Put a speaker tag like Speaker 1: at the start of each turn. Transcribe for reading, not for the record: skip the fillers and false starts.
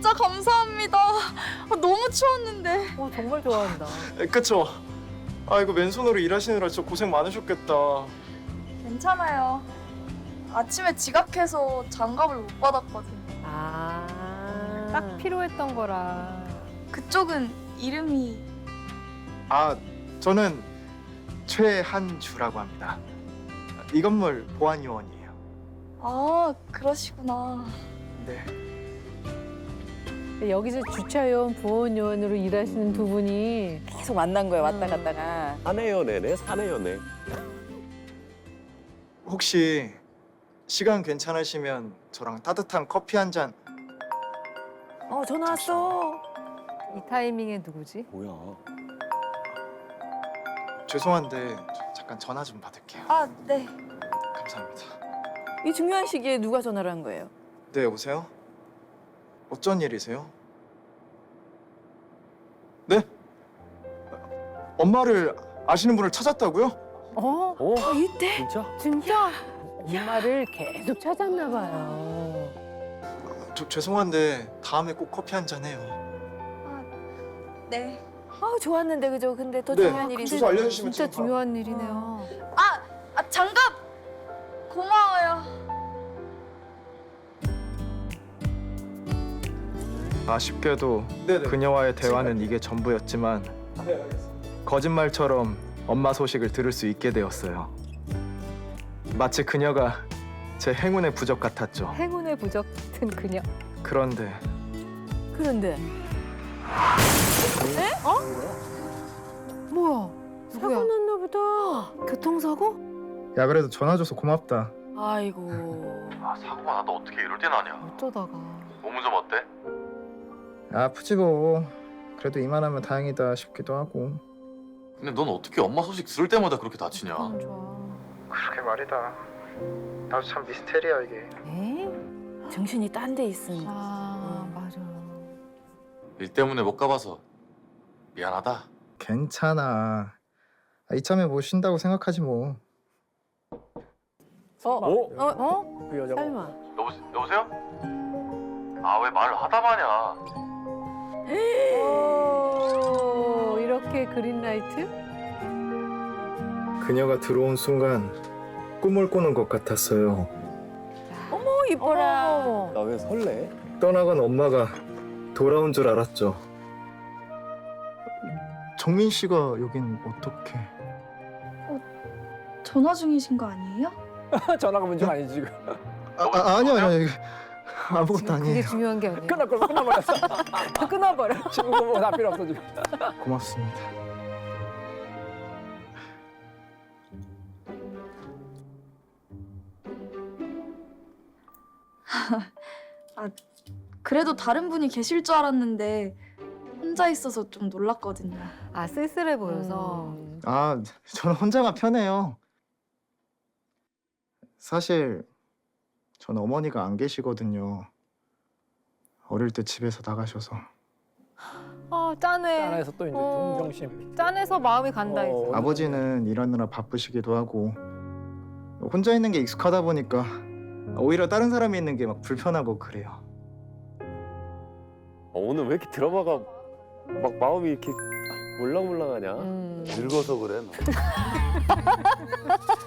Speaker 1: 진짜 감사합니다. 너무 추웠는데.
Speaker 2: 정말 좋아한다.
Speaker 3: 그쵸? 아 이거 맨손으로 일하시느라 진짜 고생 많으셨겠다.
Speaker 1: 괜찮아요. 아침에 지각해서 장갑을 못 받았거든요.
Speaker 2: 딱 필요했던 거라.
Speaker 1: 그쪽은 이름이
Speaker 3: 아 저는 최한주라고 합니다. 이 건물 보안요원이에요.
Speaker 1: 아 그러시구나.
Speaker 3: 네.
Speaker 2: 여기서 주차요원, 부원요원으로 일하시는 두 분이
Speaker 4: 계속 만난 거예요, 왔다 갔다가.
Speaker 5: 사내연애네, 사내연애.
Speaker 3: 혹시 시간 괜찮으시면 저랑 따뜻한 커피 한 잔.
Speaker 4: 전화 왔어.
Speaker 2: 이 타이밍에 누구지?
Speaker 5: 뭐야?
Speaker 3: 죄송한데 잠깐 전화 좀 받을게요.
Speaker 1: 아 네.
Speaker 3: 감사합니다.
Speaker 4: 이 중요한 시기에 누가 전화를 한 거예요?
Speaker 3: 네 여보세요? 어쩐 일이세요? 네? 엄마를 아시는 분을 찾았다고요?
Speaker 4: 이때?
Speaker 5: 진짜?
Speaker 2: 진짜? 엄마를 계속 찾았나 봐요.
Speaker 3: 죄송한데 다음에 꼭 커피 한 잔 해요.
Speaker 1: 네.
Speaker 4: 좋았는데 그죠? 근데 더
Speaker 3: 네.
Speaker 4: 중요한 일이
Speaker 3: 주소 알려주시면
Speaker 2: 진짜
Speaker 3: 지금 바로.
Speaker 2: 중요한 일이네요.
Speaker 1: 장갑 고마워요.
Speaker 3: 아쉽게도 네네. 그녀와의 대화는 이게 전부였지만 네 알겠습니다. 거짓말처럼 엄마 소식을 들을 수 있게 되었어요. 마치 그녀가 제 행운의 부적 같았죠.
Speaker 2: 행운의 부적 같은 그녀.
Speaker 3: 그런데
Speaker 4: 그런데
Speaker 2: 뭐야?
Speaker 4: 사고
Speaker 2: 누구야?
Speaker 4: 났나 보다.
Speaker 2: 교통사고?
Speaker 3: 야 그래도 전화 줘서 고맙다.
Speaker 4: 아이고.
Speaker 6: 사고가 나도 어떻게 이럴 때 나냐.
Speaker 2: 어쩌다가.
Speaker 6: 몸은 좀 어때?
Speaker 3: 아프지 뭐. 그래도 이만하면 다행이다 싶기도 하고.
Speaker 6: 근데 넌 어떻게 엄마 소식 들을 때마다 그렇게 다치냐.
Speaker 2: 좋아.
Speaker 3: 그러게 말이다. 나도 참 미스테리야 이게.
Speaker 2: 에이?
Speaker 4: 정신이 딴 데 있으니.
Speaker 2: 맞아.
Speaker 6: 일 때문에 못 가봐서 미안하다.
Speaker 3: 괜찮아. 이참에 뭐 쉰다고 생각하지 뭐.
Speaker 5: 그 여자가.
Speaker 2: 설마.
Speaker 6: 여보세요? 아 왜 말을 하다 마냐.
Speaker 2: 이렇게 그린라이트?
Speaker 3: 그녀가 들어온 순간 꿈을 꾸는 것 같았어요.
Speaker 4: 이뻐라.
Speaker 2: 어머.
Speaker 5: 나 왜 설레?
Speaker 3: 떠나간 엄마가 돌아온 줄 알았죠. 정민 씨가 여긴 어떻게?
Speaker 1: 전화 중이신 거 아니에요?
Speaker 5: 전화가 문제가 아니지 지금.
Speaker 3: 아니요. 아무것도
Speaker 2: 그게
Speaker 3: 아니에요.
Speaker 2: 중요한 게 아니야.
Speaker 5: 끊어버렸어.
Speaker 2: 끊어버려.
Speaker 5: 지금 뭐다 필요 없어 지금.
Speaker 3: 고맙습니다.
Speaker 1: 그래도 다른 분이 계실 줄 알았는데 혼자 있어서 좀 놀랐거든요.
Speaker 2: 쓸쓸해 보여서.
Speaker 3: 저는 혼자가 편해요. 사실 저는 어머니가 안 계시거든요. 어릴 때 집에서 나가셔서.
Speaker 2: 짠해.
Speaker 5: 하나에서 또 이제 동정심.
Speaker 2: 짠해서 마음이 간다 이제.
Speaker 3: 아버지는 일하느라 바쁘시기도 하고 혼자 있는 게 익숙하다 보니까 오히려 다른 사람이 있는 게 막 불편하고 그래요.
Speaker 5: 오늘 왜 이렇게 드라마가 막 마음이 이렇게 몰랑몰랑하냐?
Speaker 6: 늙어서 그래 너.